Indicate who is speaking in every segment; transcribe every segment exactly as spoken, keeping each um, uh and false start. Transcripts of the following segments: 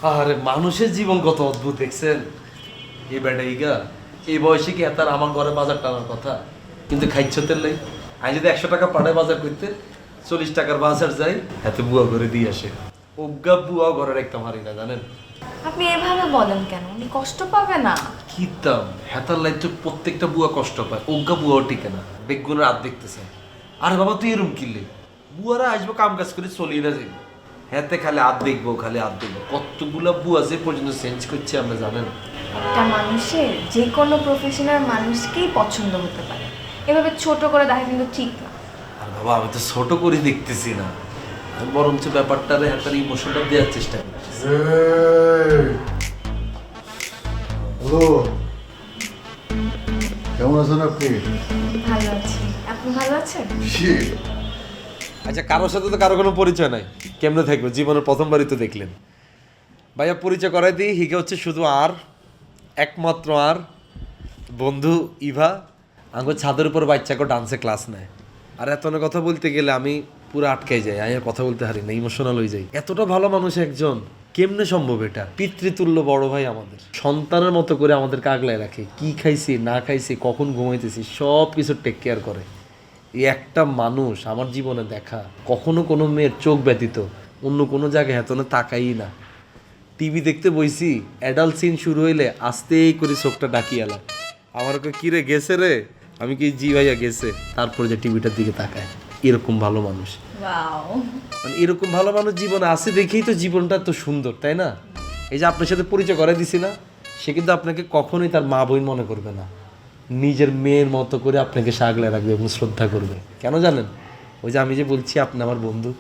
Speaker 1: আরে মানুষের জীবন কত অদ্ভুত দেখছেন। এই বেটা ইগা এই বয়সে কি এতার আমার ঘরে বাজার টানার কথা, কিন্তু খাইছতের লাই আমি যদি একশো টাকা পাঠায় বাজার করতে চল্লিশ টাকার বাজার যাই এত বুয়া করে দিয়ে আসে। অজ্ঞা বুয়া ঘরে রাখতাম হারি না জানেন।
Speaker 2: আপনি এভাবে বলেন কেন? উনি কষ্ট পাবে না?
Speaker 1: কিতাম হেতার লাই তো প্রত্যেকটা বুয়া কষ্ট পায়, অজ্ঞা বুয়াও টিকে না, বেগুনের হাত দেখতেছে। আরে বাবা তুই এরম কিনলে বুয়ারা আসবো কাম কাজ করে চলিয়ে না যাইব, হেতে খালি হাত দেখবো খালি হাত দেখবো। কতগুলা বুয়া যে পর্যন্ত চেঞ্জ করছে আমরা জানেন।
Speaker 2: একটা মানুষের যে কোনো প্রফেশনাল মানুষকেই পছন্দ হতে পারে, এভাবে ছোট করে দেখা কিন্তু ঠিক না।
Speaker 1: আর বাবা আমি তো ছোট করে দেখতেছি না, আমি বরঞ্চ ব্যাপারটারে হেতার ইমোশনটা দেওয়ার চেষ্টা করতেছি।
Speaker 3: হ্যালো, কেমন আছেন আপনি?
Speaker 2: ভালো আছি, আপনি ভালো আছেন?
Speaker 1: আচ্ছা কারোর সাথে তো কারো কোনো পরিচয় নাই, কেমনে থাকবে? জীবনের প্রথমবারই তো দেখলেন। ভাইয়া পরিচয় করাই দিই, হিকে হচ্ছে শুধু আর একমাত্র আর বন্ধু ইভা। আমার ছাদের উপর বাচ্চাকে ডান্সে ক্লাস নেয়। আর এত না কথা বলতে গেলে আমি পুরো আটকাই যাই, আমি আর কথা বলতে হারি না, ইমোশনাল হয়ে যাই। এতটা ভালো মানুষ একজন, কেমনে সম্ভব এটা? পিতৃতুল্য বড় ভাই আমাদের, সন্তানের মতো করে আমাদেরকে আগলায় রাখে। কি খাইছি না খাইছি কখন ঘুমাইতেছি সব কিছু টেক কেয়ার করে। এই একটা মানুষ আমার জীবনে দেখা, কখনো কোনো মেয়ের চোখ ব্যতীত অন্য কোনো জায়গায় এতনে তাকাই না। টিভি দেখতে বইছি, অ্যাডাল্ট সিন শুরু হইলে আস্তেই করে চোখটা ডাকিয়ালা, আমার ওকে কিরে গেছে রে, আমি কি জি ভাইয়া গেছে, তারপরে যে টিভিটার দিকে তাকায়। এরকম ভালো মানুষ,
Speaker 2: ওয়াও,
Speaker 1: মানে এরকম ভালো মানুষ জীবনে আছে দেখেই তো জীবনটা তো সুন্দর, তাই না? এই যে আপনার সাথে পরিচয় করে দিছি না, সে কিন্তু আপনাকে কখনোই তার মা বোন মনে করবে না, নিজের মেয়ের মতো করে আপনাকে আগলে রাখবে এবং শ্রদ্ধা করবে। কেন জানেন? ওই যে আমি যে বলছি আপনি আমার বন্ধু।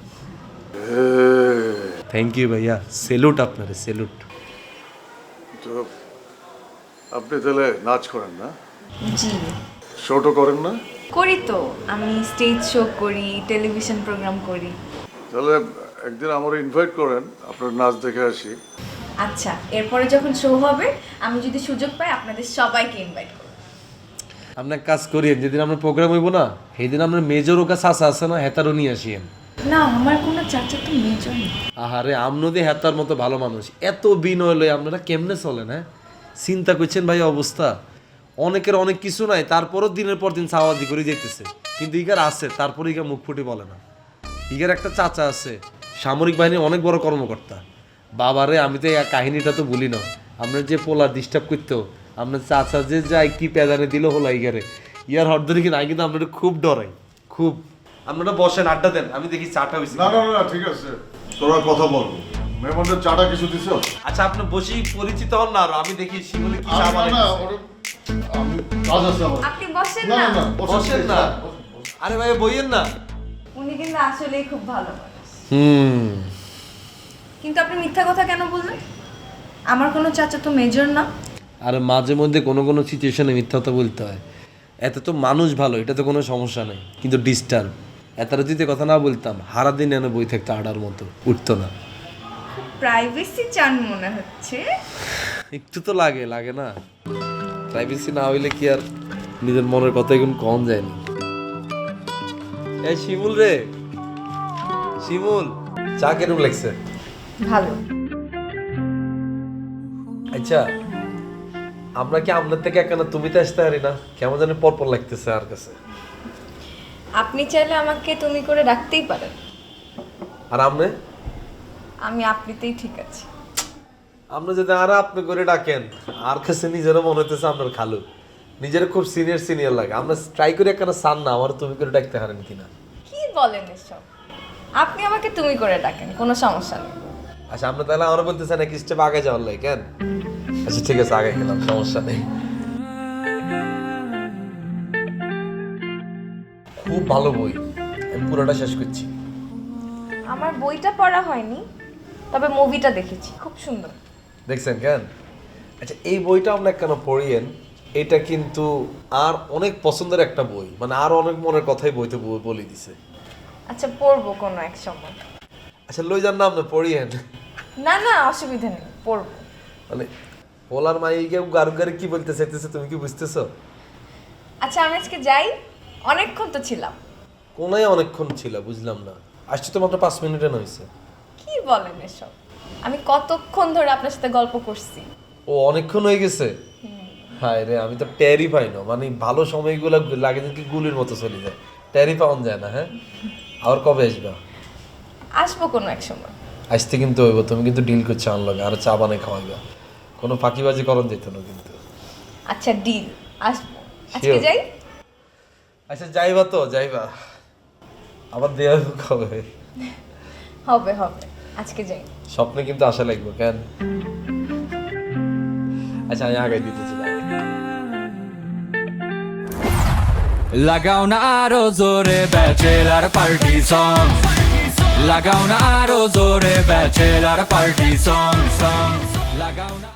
Speaker 1: থ্যাংক ইউ ভাইয়া, সেলুট আপনারে, সেলুট।
Speaker 3: তো আপনি তাহলে নাচ করেন না,
Speaker 2: জি
Speaker 3: শোটো করেন না?
Speaker 2: করি তো, আমি স্টেজ শো করি, টেলিভিশন প্রোগ্রাম করি।
Speaker 3: তাহলে একদিন আমার ইনভাইট করেন, আপনার নাচ দেখে আসি।
Speaker 2: আচ্ছা, এরপরে যখন শো হবে আমি যদি সুযোগ পাই আপনাদের সবাইকে ইনভাইট করব।
Speaker 1: আপনার কাজ করিয়েন, যেদিন আমরা প্রোগ্রাম হইব না সেই দিন আমরা মেজর ওকা চাষা আছে না হেতারও নিয়ে আসিয়েন।
Speaker 2: না, আমার কোনো চাচা তো মেজর না।
Speaker 1: আহারে আমনদে হেতার মতো ভালো মানুষ, এত বিনয় লই আপনারা কেমনে চলেন? হ্যাঁ চিন্তা করছেন ভাই অবস্থা। অনেকের অনেক কিছু নাই, তারপরও দিনের পর দিন সাওয়াজি করে যেতেছে, কিন্তু ইগার আছে তারপরে ইগা মুখ ফুটে বলে না। ইগার একটা চাচা আছে সামরিক বাহিনীর অনেক বড় কর্মকর্তা। বাবারে আমি তো এই কাহিনীটা তো বলি না, আপনার যে পোলার ডিস্টার্ব করতো আপনার চাচা যে যাই কি পেদানে দিল হলো ইগারে, ইয়ার হট ধরে কিনা কিন্তু আপনার খুব ডরাই খুব। আপনারা বসেন আড্ডা দেন, আমি দেখি চাটা হয়েছে।
Speaker 3: না না না ঠিক আছে, তোরা কথা বলবো। মেহমানদের চাটা কিছু দিছ?
Speaker 1: আচ্ছা আপনি বসি পরিচিত হন না, আর আমি দেখি শিমুলে কি চা
Speaker 3: না
Speaker 1: বানাই।
Speaker 3: না, ওরা- আমি কাজ আছে আমার।
Speaker 2: আপনি বসেন
Speaker 3: না
Speaker 2: না।
Speaker 3: না না,
Speaker 1: বসেন না। আরে ভাই বইয়েন না।
Speaker 2: উনি কিন্তু আসলেই খুব ভালো মানুষ।
Speaker 1: হুম
Speaker 2: কিন্তু আপনি মিথ্যা কথা কেন বললেন? আমার কোনো চাচা তো মেজর না।
Speaker 1: আর মাঝে মধ্যে কোনো কোনো সিচুয়েশনে মিথ্যা কথা বলতে হয়। এত তো মানুষ ভালো, এটা তো কোনো সমস্যা নেই, কিন্তু ডিস্টার্ব। এতটা যদি কথা না বলতাম হারা দিন এনে বই থাকতো আডার মতো, উঠতো না।
Speaker 2: প্রাইভেসি চান মনে হচ্ছে।
Speaker 1: একটু তো লাগে লাগে না, প্রাইভেসি না হইলে কি আর নিজের মনের কথা এখন কম যায়নি। এই শিমুল রে, শিমুল চা কেরম লাগছে?
Speaker 2: ভালো।
Speaker 1: আচ্ছা আমরা কি আপনার থেকে একখানা তুমি তো আসতে পারি না? কেমন জানি পরপর লাগতেছে আর কাছে।
Speaker 2: আপনি চাইলে আমাকে তুমি করে ডাকতেই পারেন।
Speaker 1: আর আপনি?
Speaker 2: আমি আপনিতেই ঠিক আছে।
Speaker 1: আপনি যদি আর আপনি করে ডাকেন আর কাছে নিজেরও মনে হইতেছে আপনার খালু, নিজের খুব সিনিয়র সিনিয়র লাগে। আমরা ট্রাই করি একখানা সান না আমার তুমি করে ডাকতে পারেন কিনা।
Speaker 2: কি বলেন এসব? আপনি আমাকে তুমি করে ডাকেন, কোনো সমস্যা নেই।
Speaker 1: আচ্ছা আপনি তাহলে আমার বলতেছেন এক স্টেপ আগে যাওয়ার লাগে কেন? আচ্ছা ঠিক আছে আগে গেলাম, সমস্যা নেই। খুব ভালো বই, আমি পুরোটা শেষ করছি।
Speaker 2: আমার বইটা পড়া হয়নি, তবে মুভিটা দেখেছি, খুব সুন্দর।
Speaker 1: দেখছেন কেন? আচ্ছা এই বইটা আমরা কেন পড়িয়েন, এটা কিন্তু আর অনেক পছন্দের একটা বই, মানে আর অনেক মনের কথাই বইতে ব- বলে দিছে।
Speaker 2: আচ্ছা পড়বো কোনো এক সময়।
Speaker 1: আচ্ছা লই যান না আপনি পড়িয়েন।
Speaker 2: না না, অসুবিধা নেই, পড়বো।
Speaker 1: মানে ওলার মাইকে গারু গারে কি বলতে চাইতেছে তুমি কি বুঝতেছো?
Speaker 2: আচ্ছা আমি আজকে যাই, অনেকক্ষণ তো ছিলাম।
Speaker 1: কোনায় অনেকক্ষণ ছিল বুঝলাম না, আসছি তো মাত্র পাঁচ মিনিটে নইছে।
Speaker 2: কি বলেন এসব? আমি কতক্ষণ ধরে আপনার সাথে গল্প করছি।
Speaker 1: ও অনেকক্ষণ হয়ে গেছে। হায় রে, আমি তো টেরই পাই না, মানে ভালো সময়গুলো লাগে যেন কি গুলির মতো চলে যায়, টেরই পাওয়া যায় না। হ্যাঁ, আর কবে আসবা?
Speaker 2: আসবো কোনো এক সময়।
Speaker 1: আসতে কিন্তু হইব, তুমি কিন্তু ডিল করছো আমার লগে, আর চা বানাই খাওয়াইবা, কোনো ফাঁকিবাজি করন যেত না কিন্তু।
Speaker 2: আচ্ছা ডিল, আসবো। আজকে
Speaker 1: Sure.
Speaker 2: যাই।
Speaker 1: আচ্ছা যাইবা তো, যাইবা, আবার দেওয়া কবে?
Speaker 2: হবে হবে, আজকে যাই।
Speaker 1: স্বপ্নে কিন্তু আশা লাগবে কেন? আচ্ছা আমি আগে দিতেছি।
Speaker 4: লাগাও না আরো জোরে ব্যাচেলার পার্টি সং, লাগাও না আরো জোরে ব্যাচেলার পার্টি সং সং, লাগাও না।